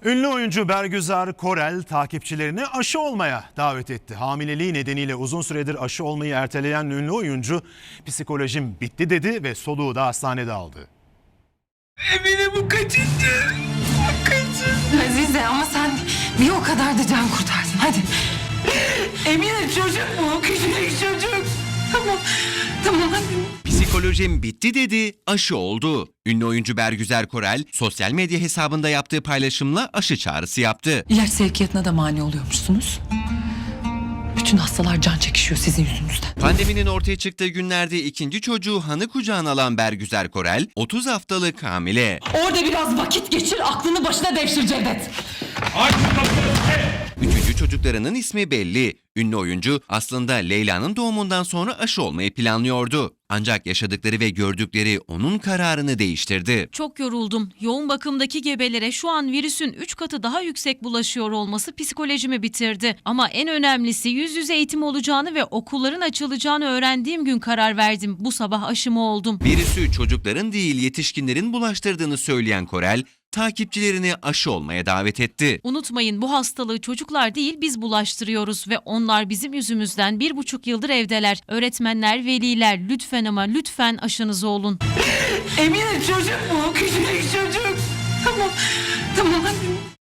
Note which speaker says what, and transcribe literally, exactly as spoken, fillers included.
Speaker 1: Ünlü oyuncu Bergüzar Korel takipçilerini aşı olmaya davet etti. Hamileliği nedeniyle uzun süredir aşı olmayı erteleyen ünlü oyuncu psikolojim bitti dedi ve soluğu da hastanede aldı.
Speaker 2: Emine bu kaçıncı? Bu kaçıncı?
Speaker 3: Azize ama sen bir o kadar da can kurtardın. Hadi.
Speaker 2: Emine çocuk mu? Küçücük çocuk. Tamam. Tamam hadi.
Speaker 4: Psikolojim bitti dedi, aşı oldu. Ünlü oyuncu Bergüzar Korel sosyal medya hesabında yaptığı paylaşımla aşı çağrısı yaptı.
Speaker 3: İlaç sevkiyatına da mani oluyormuşsunuz. Bütün hastalar can çekişiyor sizin yüzünüzden.
Speaker 4: Pandeminin ortaya çıktığı günlerde ikinci çocuğu Han'ı kucağına alan Bergüzar Korel otuz haftalık hamile.
Speaker 3: Orada biraz vakit geçir, aklını başına devşir Cevdet.
Speaker 4: Üçüncü çocuklarının ismi belli. Ünlü oyuncu aslında Leyla'nın doğumundan sonra aşı olmayı planlıyordu. Ancak yaşadıkları ve gördükleri onun kararını değiştirdi.
Speaker 5: Çok yoruldum. Yoğun bakımdaki gebelere şu an virüsün üç katı daha yüksek bulaşıyor olması psikolojimi bitirdi. Ama en önemlisi yüz yüze eğitim olacağını ve okulların açılacağını öğrendiğim gün karar verdim. Bu sabah aşımı oldum.
Speaker 4: Virüsü çocukların değil yetişkinlerin bulaştırdığını söyleyen Korel, takipçilerini aşı olmaya davet etti.
Speaker 5: Unutmayın, bu hastalığı çocuklar değil biz bulaştırıyoruz ve onlar bizim yüzümüzden bir buçuk yıldır evdeler. Öğretmenler, veliler lütfen ama lütfen aşınızı olun.
Speaker 2: Emine çocuk mu? Küçücük çocuk. Tamam. Tamam hadi.